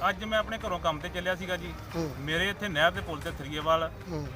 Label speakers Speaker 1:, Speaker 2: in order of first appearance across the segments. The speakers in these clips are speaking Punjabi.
Speaker 1: ਅੱਜ ਮੈਂ ਆਪਣੇ ਘਰੋਂ ਕੰਮ ਤੇ ਚੱਲਿਆ ਸੀਗਾ ਜੀ। ਮੇਰੇ ਇੱਥੇ ਨਹਿਰ ਦੇ ਪੁਲ ਤੇ ਥਰੀਏਵਾਲ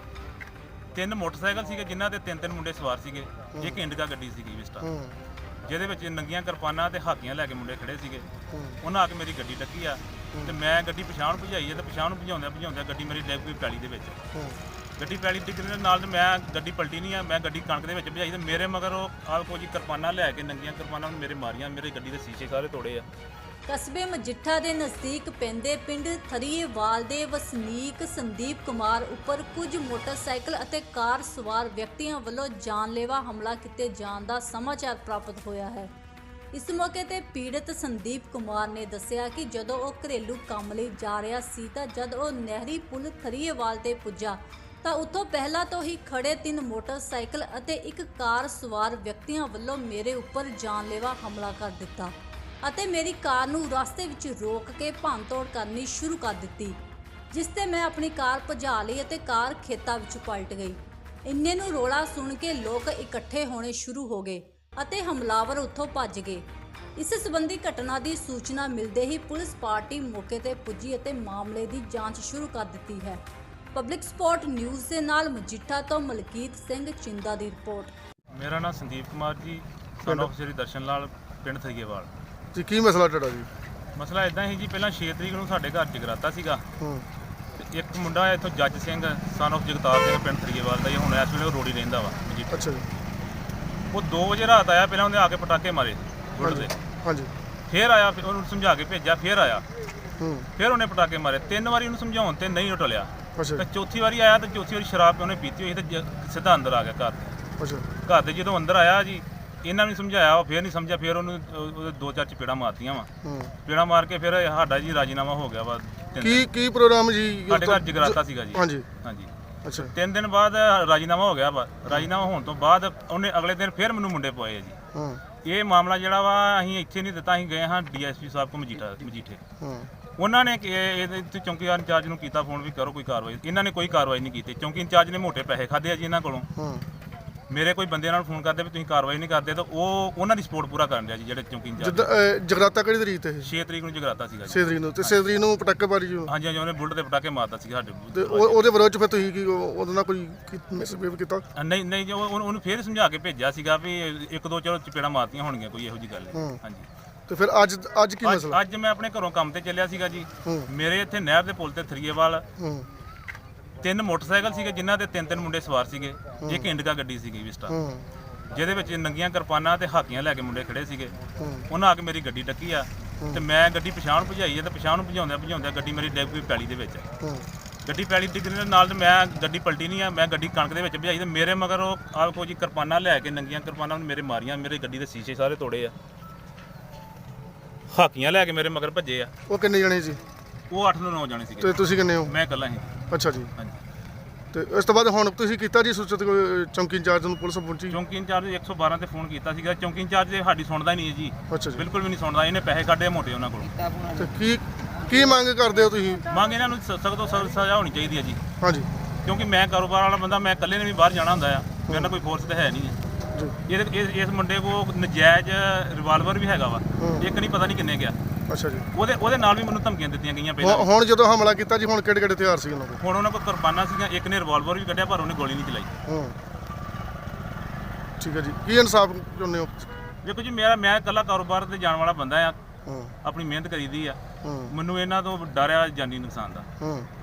Speaker 1: ਤਿੰਨ ਮੋਟਰਸਾਈਕਲ ਸੀਗੇ ਜਿਨ੍ਹਾਂ ਦੇ ਤਿੰਨ ਮੁੰਡੇ ਸਵਾਰ ਸੀਗੇ। ਇੱਕ ਇੰਡਿਕਾ ਗੱਡੀ ਸੀਗੀ ਵਿਸਟਾ, ਜਿਹਦੇ ਵਿੱਚ ਨੰਗੀਆਂ ਕਿਰਪਾਨਾਂ ਤੇ ਹਾਕੀਆਂ ਲੈ ਕੇ ਮੁੰਡੇ ਖੜੇ ਸੀਗੇ। ਉਹਨਾਂ ਆ ਕੇ ਮੇਰੀ ਗੱਡੀ ਡੱਕੀ ਆ ਤੇ ਮੈਂ ਗੱਡੀ ਪਛਾਣ ਭਜਾਈ ਹੈ ਤੇ ਪਛਾਣ ਭਜਾਉਂਦਿਆਂ ਗੱਡੀ ਮੇਰੀ ਡਿੱਗ ਪਈ ਪੈਲੀ ਦੇ ਵਿੱਚ। ਗੱਡੀ ਪੈਲੀ ਡਿੱਗਣ ਦੇ ਨਾਲ ਤੇ ਮੈਂ ਗੱਡੀ ਪਲਟੀ ਨਹੀਂ ਆ, ਮੈਂ ਗੱਡੀ ਕਣਕ ਦੇ ਵਿੱਚ ਭਜਾਈ ਤੇ ਮੇਰੇ ਮਗਰ ਉਹ ਆਹ ਕੁਝ ਕਿਰਪਾਨਾਂ ਲੈ ਕੇ ਨੰਗੀਆਂ ਕਿਰਪਾਨਾਂ ਮੇਰੇ ਮਾਰੀਆਂ, ਮੇਰੇ ਗੱਡੀ ਦੇ ਸ਼ੀਸ਼ੇ ਸਾਰੇ ਤੋੜੇ ਆ।
Speaker 2: ਕਸਬੇ ਮਜੀਠਾ ਦੇ ਨਜ਼ਦੀਕ ਪੈਂਦੇ ਪਿੰਡ ਥਰੀਏਵਾਲ ਦੇ ਵਸਨੀਕ ਸੰਦੀਪ ਕੁਮਾਰ ਉੱਪਰ ਕੁਝ ਮੋਟਰਸਾਈਕਲ ਅਤੇ ਕਾਰ ਸਵਾਰ ਵਿਅਕਤੀਆਂ ਵੱਲੋਂ ਜਾਨਲੇਵਾ ਹਮਲਾ ਕੀਤੇ ਜਾਣ ਦਾ ਸਮਾਚਾਰ ਪ੍ਰਾਪਤ ਹੋਇਆ ਹੈ। ਇਸ ਮੌਕੇ ਤੇ ਪੀੜਤ ਸੰਦੀਪ ਕੁਮਾਰ ਨੇ ਦੱਸਿਆ ਕਿ ਜਦੋਂ ਉਹ ਘਰੇਲੂ ਕੰਮ ਲਈ ਜਾ ਰਿਹਾ ਸੀ ਤਾਂ ਜਦ ਉਹ ਨਹਿਰੀ ਪੁਲ ਥਰੀਏਵਾਲ ਤੇ ਪੁੱਜਾ ਤਾਂ ਉੱਥੋਂ ਪਹਿਲਾਂ ਤੋਂ ਹੀ ਖੜੇ 3 ਮੋਟਰਸਾਈਕਲ ਅਤੇ ਇੱਕ ਕਾਰ ਸਵਾਰ ਵਿਅਕਤੀਆਂ ਵੱਲੋਂ ਮੇਰੇ ਉੱਪਰ ਜਾਨਲੇਵਾ ਹਮਲਾ ਕਰ ਦਿੱਤਾ ਅਤੇ ਮੇਰੀ ਕਾਰ ਨੂੰ ਰਸਤੇ ਵਿੱਚ ਰੋਕ ਕੇ ਭੰਨਤੋੜ ਕਰਨੀ ਸ਼ੁਰੂ ਕਰ ਦਿੱਤੀ, ਜਿਸ ਤੇ ਮੈਂ ਆਪਣੀ ਕਾਰ ਭਜਾ ਲਈ ਅਤੇ ਕਾਰ ਖੇਤਾਂ ਵਿੱਚ ਪਲਟ ਗਈ। ਇੰਨੇ ਨੂੰ ਰੋਲਾ ਸੁਣ ਕੇ ਲੋਕ ਇਕੱਠੇ ਹੋਣੇ ਸ਼ੁਰੂ ਹੋ ਗਏ ਅਤੇ ਹਮਲਾਵਰ ਉੱਥੋਂ ਭੱਜ ਗਏ। ਇਸ ਸੰਬੰਧੀ ਘਟਨਾ ਦੀ ਸੂਚਨਾ ਮਿਲਦੇ ਹੀ ਪੁਲਿਸ ਪਾਰਟੀ ਮੌਕੇ ਤੇ ਪੁੱਜੀ ਅਤੇ ਮਾਮਲੇ ਦੀ ਜਾਂਚ ਸ਼ੁਰੂ ਕਰ ਦਿੱਤੀ ਹੈ। ਪਬਲਿਕ ਸਪੋਰਟ ਨਿਊਜ਼ ਦੇ ਨਾਲ ਮਜੀਠਾ ਤੋਂ ਮਲਕੀਤ ਸਿੰਘ ਚਿੰਦਾ ਦੀ ਰਿਪੋਰਟ।
Speaker 1: ਮੇਰਾ ਨਾਮ ਸੰਦੀਪ ਕੁਮਾਰ ਜੀ, ਸਨ ਆਫ ਸ੍ਰੀ ਦਰਸ਼ਨ ਲਾਲ, ਪਿੰਡ ਥਰੀਏਵਾਲ
Speaker 3: ਜੀ। ਕੀ ਮਸਲਾ ਤੁਹਾਡਾ ਜੀ?
Speaker 1: ਮਸਲਾ ਇਦਾਂ ਹੀ ਜੀ, ਪਹਿਲਾਂ 6 ਤਰੀਕ ਨੂੰ ਸਾਡੇ ਘਰ ਜਗਰਾਤਾ ਸੀਗਾ ਤੇ ਇੱਕ ਮੁੰਡਾ ਹੈ ਇੱਥੋਂ ਜੱਜ ਸਿੰਘ ਸਨ ਆਫ ਜਗਤਾਰ ਸਿੰਘ, ਪਿੰਡ ਥਰੀਏਵਾਲ ਦਾ, ਹੁਣ ਇਸ ਵੇਲੇ ਉਹ ਰੋੜੀ ਰਹਿੰਦਾ ਵਾ ਮਜੀਠਾ।
Speaker 3: ਅੱਛਾ ਜੀ।
Speaker 1: ਉਹ 2 ਵਜੇ ਰਾਤ ਆਇਆ, ਪਹਿਲਾਂ ਉਹਨੇ ਆ ਕੇ ਪਟਾਕੇ ਮਾਰੇ ਗੁੱਡ ਦੇ।
Speaker 3: ਹਾਂਜੀ।
Speaker 1: ਫੇਰ ਆਇਆ, ਫਿਰ ਉਹਨੂੰ ਸਮਝਾ ਕੇ ਭੇਜਿਆ, ਫੇਰ ਆਇਆ, ਫਿਰ ਉਹਨੇ ਪਟਾਕੇ ਮਾਰੇ। 3 ਵਾਰੀ ਉਹਨੂੰ ਸਮਝਾਉਣ ਤੇ ਨਹੀਂ ਟਲਿਆ ਤੇ ਚੌਥੀ ਵਾਰੀ ਆਇਆ ਤੇ ਚੌਥੀ ਵਾਰੀ ਸ਼ਰਾਬ ਉਹਨੇ ਪੀਤੀ ਹੋਈ ਤੇ ਸਿੱਧਾ ਅੰਦਰ ਆ ਗਿਆ ਘਰ ਦੇ।
Speaker 3: ਅੱਛਾ।
Speaker 1: ਘਰ ਦੇ ਜਦੋਂ ਅੰਦਰ ਆਇਆ ਜੀ, ਇਹਨਾਂ ਨੂੰ ਸਮਝਾਇਆ, ਉਹ ਫੇਰ ਨਹੀਂ ਸਮਝਿਆ, ਫੇਰ ਉਹਨੂੰ ਉਹਦੇ 2-4 ਚਪੇੜਾਂ ਮਾਰਤੀਆਂ ਵਾ। ਚਪੇੜਾਂ ਮਾਰ ਕੇ ਫਿਰ ਸਾਡਾ ਜੀ ਰਾਜੀਨਾਮਾ ਹੋ ਗਿਆ ਵਾ।
Speaker 3: ਕੀ ਪ੍ਰੋਗਰਾਮ ਜੀ?
Speaker 1: ਸਾਡੇ ਘਰ ਜਗਰਾਤਾ ਸੀਗਾ ਜੀ।
Speaker 3: ਹਾਂਜੀ।
Speaker 1: ਹਾਂਜੀ।
Speaker 3: ਅੱਛਾ।
Speaker 1: 3 ਦਿਨ ਬਾਅਦ ਰਾਜੀਨਾਮਾ ਹੋ ਗਿਆ ਵਾ। ਰਾਜੀਨਾਮਾ ਹੋਣ ਤੋਂ ਬਾਅਦ ਉਹਨੇ ਅਗਲੇ ਦਿਨ ਫਿਰ ਮੈਨੂੰ ਮੁੰਡੇ ਪਵਾਏ ਆ ਜੀ। ਇਹ ਮਾਮਲਾ ਜਿਹੜਾ ਵਾ ਅਸੀਂ ਇੱਥੇ ਨਹੀਂ ਦਿੱਤਾ, ਅਸੀਂ ਗਏ ਹਾਂ ਡੀਐਸਪੀ ਸਾਹਿਬ ਕੋ ਮਜੀਠੇ। ਉਹਨਾਂ ਨੇ ਇਹਦੇ ਚੌਂਕੀਦਾਰ ਇੰਚਾਰਜ ਨੂੰ ਕੀਤਾ ਫੋਨ ਵੀ ਕਰੋ ਕੋਈ ਕਾਰਵਾਈ। ਇਹਨਾਂ ਨੇ ਕੋਈ ਕਾਰਵਾਈ ਨਹੀਂ ਕੀਤੀ। ਚੌਂਕੀ ਇੰਚਾਰਜ ਨੇ ਮੋਟੇ ਪੈਸੇ ਖਾਦੇ ਆ ਜੀ ਇਹਨਾਂ ਕੋਲੋਂ। ਮੇਰੇ ਕੋਈ ਬੰਦੇ ਨਾਲ ਫੋਨ ਕਰਦੇ ਵੀ ਤੁਸੀਂ ਕਾਰਵਾਈ ਨਹੀਂ ਕਰਦੇ ਤਾਂ ਉਹ ਉਹਨਾਂ ਦੀ ਸਪੋਰਟ ਪੂਰਾ ਕਰਨ ਰਿਹਾ ਜੀ, ਜਿਹੜੇ ਚੌਂਕੀ ਇੰਚਾਰਜ।
Speaker 3: ਜਗਰਾਤਾ ਕਿਹੜੀ ਤਰੀਕ ਤੇ?
Speaker 1: 6 ਤਰੀਕ ਨੂੰ ਜਗਰਾਤਾ ਸੀਗਾ ਜੀ।
Speaker 3: 6 ਤਰੀਕ ਨੂੰ ਤੇ 6 ਤਰੀਕ ਨੂੰ ਪਟਾਕੇ ਮਾਰੀ ਜੀ।
Speaker 1: ਹਾਂਜੀ ਹਾਂਜੀ, ਉਹਨੇ ਬੁਲਟ ਤੇ ਪਟਾਕੇ ਮਾਰਦਾ ਸੀ ਸਾਡੇ
Speaker 3: ਤੇ ਉਹਦੇ ਵਿਰੋਧ ਚ ਫਿਰ ਤੁਸੀਂ ਕੀ ਉਹਦੇ ਨਾਲ ਕੋਈ ਮਿਸਬਿਹੇਵ ਕੀਤਾ?
Speaker 1: ਨਹੀਂ ਜੀ, ਉਹਨੂੰ ਫੇਰ ਸਮਝਾ ਕੇ ਭੇਜਿਆ ਸੀਗਾ ਵੀ 1-2 ਚਲੋ ਚਪੇੜਾਂ ਮਾਰਤੀਆਂ ਹੋਣਗੀਆਂ, ਕੋਈ ਇਹੋ ਜਿਹੀ ਗੱਲ ਨਹੀਂ। ਹਾਂਜੀ।
Speaker 3: ਤੇ ਫਿਰ ਅੱਜ ਕੀ ਮਸਲਾ?
Speaker 1: ਅੱਜ ਮੈਂ ਆਪਣੇ ਘਰੋਂ ਕੰਮ ਤੇ ਚੱਲਿਆ ਸੀਗਾ ਜੀ। ਮੇਰੇ ਇੱਥੇ ਨਹਿਰ ਦੇ ਪੁਲ ਤੇ ਥਰੀਏਵਾਲ 3 ਮੋਟਰਸਾਈਕਲ ਸੀਗੇ ਜਿਨ੍ਹਾਂ ਦੇ ਤਿੰਨ ਮੁੰਡੇ ਸਵਾਰ ਸੀਗੇ। ਇੱਕ ਇੰਡਿਕਾ ਗੱਡੀ ਸੀਗੀ ਵਿਸਟਾ, ਜਿਹਦੇ ਵਿੱਚ ਨੰਗੀਆਂ ਕਿਰਪਾਨਾਂ ਤੇ ਹਾਕੀਆਂ ਲੈ ਕੇ ਮੁੰਡੇ ਖੜੇ ਸੀਗੇ। ਉਹਨਾਂ ਆ ਕੇ ਮੇਰੀ ਗੱਡੀ ਡੱਕੀ ਆ ਤੇ ਮੈਂ ਗੱਡੀ ਪਛਾਣ ਭਜਾਈ ਹੈ ਤੇ ਪਛਾਣ ਭਜਾਉਂਦਿਆਂ ਗੱਡੀ ਮੇਰੀ ਡਿੱਗ ਪਈ ਪੈਲੀ ਦੇ ਵਿੱਚ। ਗੱਡੀ ਪੈਲੀ ਡਿੱਗਣ ਦੇ ਨਾਲ ਤੇ ਮੈਂ ਗੱਡੀ ਪਲਟੀ ਨਹੀਂ ਆ, ਮੈਂ ਗੱਡੀ ਕਣਕ ਦੇ ਵਿੱਚ ਭਜਾਈ ਤੇ ਮੇਰੇ ਮਗਰ ਉਹ ਆਹ ਕੁਝ ਕਿਰਪਾਨਾਂ ਲੈ ਕੇ ਨੰਗੀਆਂ ਕਿਰਪਾਨਾਂ ਮੇਰੇ ਮਾਰੀਆਂ, ਮੇਰੇ ਗੱਡੀ ਦੇ ਸ਼ੀਸ਼ੇ ਸਾਰੇ ਤੋੜੇ ਆ। ਹਾਕੀਆਂ ਲੈ ਕੇ ਮੇਰੇ ਮਗਰ ਭੱਜੇ ਆ।
Speaker 3: ਉਹ ਕਿੰਨੇ ਜਣੇ ਸੀ?
Speaker 1: ਉਹ 8 ਤੋਂ 9 ਜਾਣੇ ਸੀਗੇ।
Speaker 3: ਤੇ ਤੁਸੀਂ ਕਿੰਨੇ ਹੋ?
Speaker 1: ਮੈਂ ਇਕੱਲਾ ਸੀ।
Speaker 3: ਅੱਛਾ ਜੀ।
Speaker 1: ਹਾਂਜੀ।
Speaker 3: ਤੇ ਇਸ ਤੋਂ ਬਾਅਦ ਹੁਣ ਤੁਸੀਂ ਕੀਤਾ ਜੀ ਸੂਚਿਤ ਚੌਂਕੀ ਇੰਚਾਰਜ ਨੂੰ? ਪੁਲਿਸ ਪਹੁੰਚੀ?
Speaker 1: ਚੌਂਕੀ ਇੰਚਾਰਜ 112 ਤੇ ਫੋਨ ਕੀਤਾ ਸੀਗਾ। ਚੌਂਕੀ ਇੰਚਾਰਜ ਸਾਡੀ ਸੁਣਦਾ ਹੀ ਨਹੀਂ ਹੈ ਜੀ।
Speaker 3: ਅੱਛਾ ਜੀ।
Speaker 1: ਬਿਲਕੁਲ ਵੀ ਨਹੀਂ ਸੁਣਦਾ। ਇਹਨੇ ਪੈਸੇ ਕੱਢੇ ਮੋਟੇ ਉਹਨਾਂ ਕੋਲੋਂ।
Speaker 3: ਤੇ ਕੀ ਮੰਗ ਕਰਦੇ ਹੋ ਤੁਸੀਂ?
Speaker 1: ਮੰਗ ਇਹਨਾਂ ਨੂੰ ਸਖਤ ਤੋਂ ਸਖਤ ਸਜ਼ਾ ਹੋਣੀ ਚਾਹੀਦੀ ਹੈ ਜੀ।
Speaker 3: ਹਾਂਜੀ।
Speaker 1: ਕਿਉਂਕਿ ਮੈਂ ਕਾਰੋਬਾਰ ਵਾਲਾ ਬੰਦਾ, ਮੈਂ ਇਕੱਲੇ ਨੇ ਵੀ ਬਾਹਰ ਜਾਣਾ ਹੁੰਦਾ ਆ, ਮੇਰੇ ਨਾਲ ਕੋਈ ਫੋਰਸ ਤਾਂ ਹੈ ਨਹੀਂ ਹੈ। ਇਸ ਮੁੰਡੇ ਕੋਲ ਨਜਾਇਜ਼ ਰਿਵਾਲਵਰ ਵੀ ਹੈਗਾ ਵਾ, ਇੱਕ ਨਹੀਂ ਪਤਾ ਨਹੀਂ ਕਿੰਨੇ ਗਿਆ।
Speaker 3: ਅੱਛਾ ਜੀ।
Speaker 1: ਉਹਦੇ ਨਾਲ ਵੀ ਮੈਨੂੰ ਧਮਕੀਆਂ ਦਿੱਤੀਆਂ ਗਈਆਂ ਪਹਿਲਾਂ।
Speaker 3: ਹੁਣ ਜਦੋਂ ਹਮਲਾ ਕੀਤਾ ਜੀ, ਹੁਣ ਕਿਹੜੇ ਹਥਿਆਰ ਸੀ ਉਹਨਾਂ ਕੋਲ?
Speaker 1: ਹੁਣ ਉਹਨਾਂ ਕੋਲ ਕਿਰਪਾਨਾਂ ਸੀਗੀਆਂ, ਇੱਕ ਨੇ ਰਿਵਾਲਵਰ ਵੀ ਕੱਢਿਆ ਪਰ ਉਹਨੇ ਗੋਲੀ ਨਹੀਂ ਚਲਾਈ।
Speaker 3: ਠੀਕ ਹੈ ਜੀ। ਕੀ ਇਨਸਾਫ ਚਾਹੁੰਦੇ ਹੋ?
Speaker 1: ਦੇਖੋ ਜੀ, ਮੈਂ ਇਕੱਲਾ ਕਾਰੋਬਾਰ ਤੇ ਜਾਣ ਵਾਲਾ ਬੰਦਾ ਆ, ਆਪਣੀ ਮਿਹਨਤ ਕਰੀਦੀ ਆ। ਮੈਨੂੰ ਇਹਨਾਂ ਤੋਂ ਡਰ ਆ ਜਾਨੀ ਨੁਕਸਾਨ ਦਾ।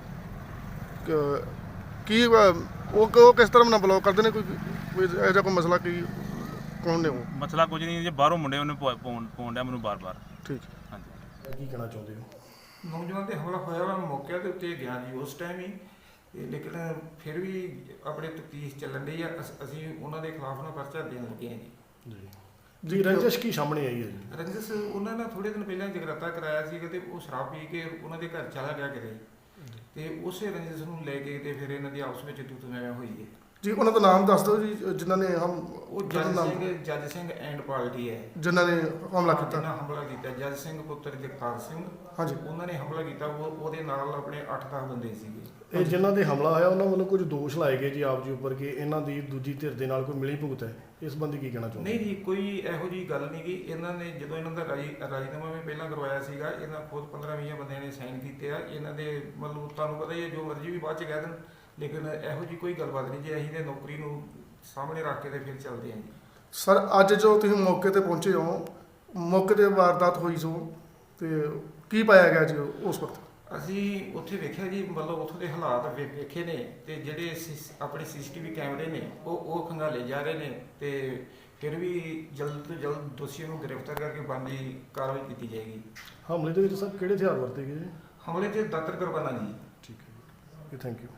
Speaker 3: ਕੀ ਉਹ ਕਿਸ ਤਰ੍ਹਾਂ ਨਾਲ ਬਲੌਕ ਕਰਦੇ ਨੇ? ਕੋਈ ਇਹੋ ਜਿਹਾ ਕੋਈ ਮਸਲਾ ਕੀ ਕੌਣ ਨੇ ਉਹ?
Speaker 1: ਮਸਲਾ ਕੁਝ ਨਹੀਂ ਜੀ, ਬਾਹਰੋਂ ਮੁੰਡੇ ਉਹਨੇ ਪਾਉਣ ਡਿਆ ਮੈਨੂੰ ਬਾਰ-ਬਾਰ।
Speaker 3: ਠੀਕ।
Speaker 1: ਹਾਂਜੀ।
Speaker 3: ਕੀ ਕਹਿਣਾ ਚਾਹੁੰਦੇ ਹੋ?
Speaker 4: ਨੌਜਵਾਨ ਤੇ ਹਮਲਾ ਹੋਇਆ ਵਾ, ਮੌਕੇ ਦੇ ਉੱਤੇ ਗਿਆ ਜੀ ਉਸ ਟਾਈਮ ਹੀ, ਲੇਕਿਨ ਫਿਰ ਵੀ ਆਪਣੇ ਤਫਤੀਸ਼ ਚੱਲਣ ਡਈ ਆ। ਅਸੀਂ ਉਹਨਾਂ ਦੇ ਖਿਲਾਫ ਨਾ ਪਰਚਾ ਦੇਣ ਲੱਗੇ ਹਾਂ ਜੀ।
Speaker 3: ਜੀ ਰੰਜਿਸ਼ ਕੀ ਸਾਹਮਣੇ ਆਈ ਹੈ ਜੀ?
Speaker 4: ਰੰਜਿਸ਼ ਉਹਨਾਂ ਨੇ ਥੋੜੇ ਦਿਨ ਪਹਿਲਾਂ ਜਗਰਾਤਾ ਕਰਾਇਆ ਸੀਗਾ ਤੇ ਉਹ ਸ਼ਰਾਬ ਪੀ ਕੇ ਉਹਨਾਂ ਦੇ ਘਰ ਚਲਾ ਗਿਆ ਕਿਤੇ, ਤੇ ਉਸੇ ਰੰਜਿਸ਼ ਨੂੰ ਲੈ ਕੇ ਤੇ ਫਿਰ ਇਹਨਾਂ ਦੀ ਆਪਸ ਵਿੱਚ ਤੂੰ ਮੈਂ ਹੋਈ ਹੈ।
Speaker 3: ਜੀ ਉਹਨਾਂ ਦਾ ਨਾਮ ਦੱਸ ਦਿਓ ਜੀ, ਜਿਨ੍ਹਾਂ ਨੇ
Speaker 4: ਉਹ ਜੱਜ ਸਿੰਘ ਐਂਡ ਪਾਰਟੀ ਹੈ
Speaker 3: ਜਿਨ੍ਹਾਂ ਨੇ ਹਮਲਾ ਕੀਤਾ।
Speaker 4: ਜਿਨ੍ਹਾਂ ਹਮਲਾ ਕੀਤਾ ਜੱਜ ਸਿੰਘ ਪੁੱਤਰ ਜਗਤਾਰ ਸਿੰਘ,
Speaker 3: ਹਾਂਜੀ,
Speaker 4: ਉਹਨਾਂ ਨੇ ਹਮਲਾ ਕੀਤਾ। ਉਹਦੇ ਨਾਲ ਆਪਣੇ 8-10 ਬੰਦੇ ਸੀਗੇ।
Speaker 5: ਇਹ ਜਿਨ੍ਹਾਂ ਦੇ ਹਮਲਾ ਹੋਇਆ ਉਹਨਾਂ ਵੱਲੋਂ ਕੁਝ ਦੋਸ਼ ਲਾਏ ਗਏ ਜੀ ਆਪ ਜੀ ਉੱਪਰ ਕਿ ਇਹਨਾਂ ਦੀ ਦੂਜੀ ਧਿਰ ਦੇ ਨਾਲ ਕੋਈ ਮਿਲੀ ਭੁਗਤ ਹੈ, ਇਸ ਸੰਬੰਧੀ ਕੀ ਕਹਿਣਾ ਚਾਹੁੰਦੇ?
Speaker 4: ਨਹੀਂ ਜੀ, ਕੋਈ ਇਹੋ ਜਿਹੀ ਗੱਲ ਨਹੀਂ ਗੀ। ਇਹਨਾਂ ਨੇ ਜਦੋਂ ਇਹਨਾਂ ਦਾ ਰਾਜੀਨਾਮਾ ਵੀ ਪਹਿਲਾਂ ਕਰਵਾਇਆ ਸੀਗਾ, ਇਹਨਾਂ ਖੁਦ 15-20 ਬੰਦਿਆਂ ਨੇ ਸਾਈਨ ਕੀਤੇ ਆ। ਇਹਨਾਂ ਦੇ ਮਤਲਬ ਤੁਹਾਨੂੰ ਪਤਾ ਹੀ ਹੈ, ਜੋ ਮਰਜ਼ੀ ਵੀ ਬਾਅਦ ਚ ਕਹਿ ਦੇਣ, ਲੇਕਿਨ ਇਹੋ ਜਿਹੀ ਕੋਈ ਗੱਲਬਾਤ ਨਹੀਂ ਜੀ। ਅਸੀਂ ਤੇ ਨੌਕਰੀ ਨੂੰ ਸਾਹਮਣੇ ਰੱਖ ਕੇ ਤੇ ਫਿਰ ਚੱਲਦੇ ਹਾਂ ਜੀ।
Speaker 3: ਸਰ ਅੱਜ ਜੋ ਤੁਸੀਂ ਮੌਕੇ ਤੇ ਪਹੁੰਚੇ ਹੋ, ਮੌਕੇ ਤੇ ਵਾਰਦਾਤ ਹੋਈ ਸੋ ਤੇ ਕੀ ਪਾਇਆ ਗਿਆ ਜੀ ਉਸ ਵਕਤ?
Speaker 4: ਅਸੀਂ ਉੱਥੇ ਵੇਖਿਆ ਜੀ, ਮਤਲਬ ਉੱਥੋਂ ਦੇ ਹਾਲਾਤ ਵੇਖੇ ਨੇ, ਤੇ ਜਿਹੜੇ ਆਪਣੇ CCTV ਕੈਮਰੇ ਨੇ ਉਹ ਖੰਗਾਲੇ ਜਾ ਰਹੇ ਨੇ, ਤੇ ਫਿਰ ਵੀ ਜਲਦ ਤੋਂ ਜਲਦ ਦੋਸ਼ੀਆਂ ਨੂੰ ਗ੍ਰਿਫਤਾਰ ਕਰਕੇ ਬਣਦੀ ਕਾਰਵਾਈ ਕੀਤੀ ਜਾਏਗੀ।
Speaker 5: ਹਮਲੇ ਦੇ ਵਿੱਚ ਸਰ ਕਿਹੜੇ ਹਥਿਆਰ ਵਰਤੇ ਗਏ ਜੀ?
Speaker 4: ਹਮਲੇ 'ਚ ਦਾਤਰ ਕੁਰਬਾਨਾ ਜੀ।
Speaker 5: ਠੀਕ ਹੈ ਜੀ, ਥੈਂਕ ਯੂ।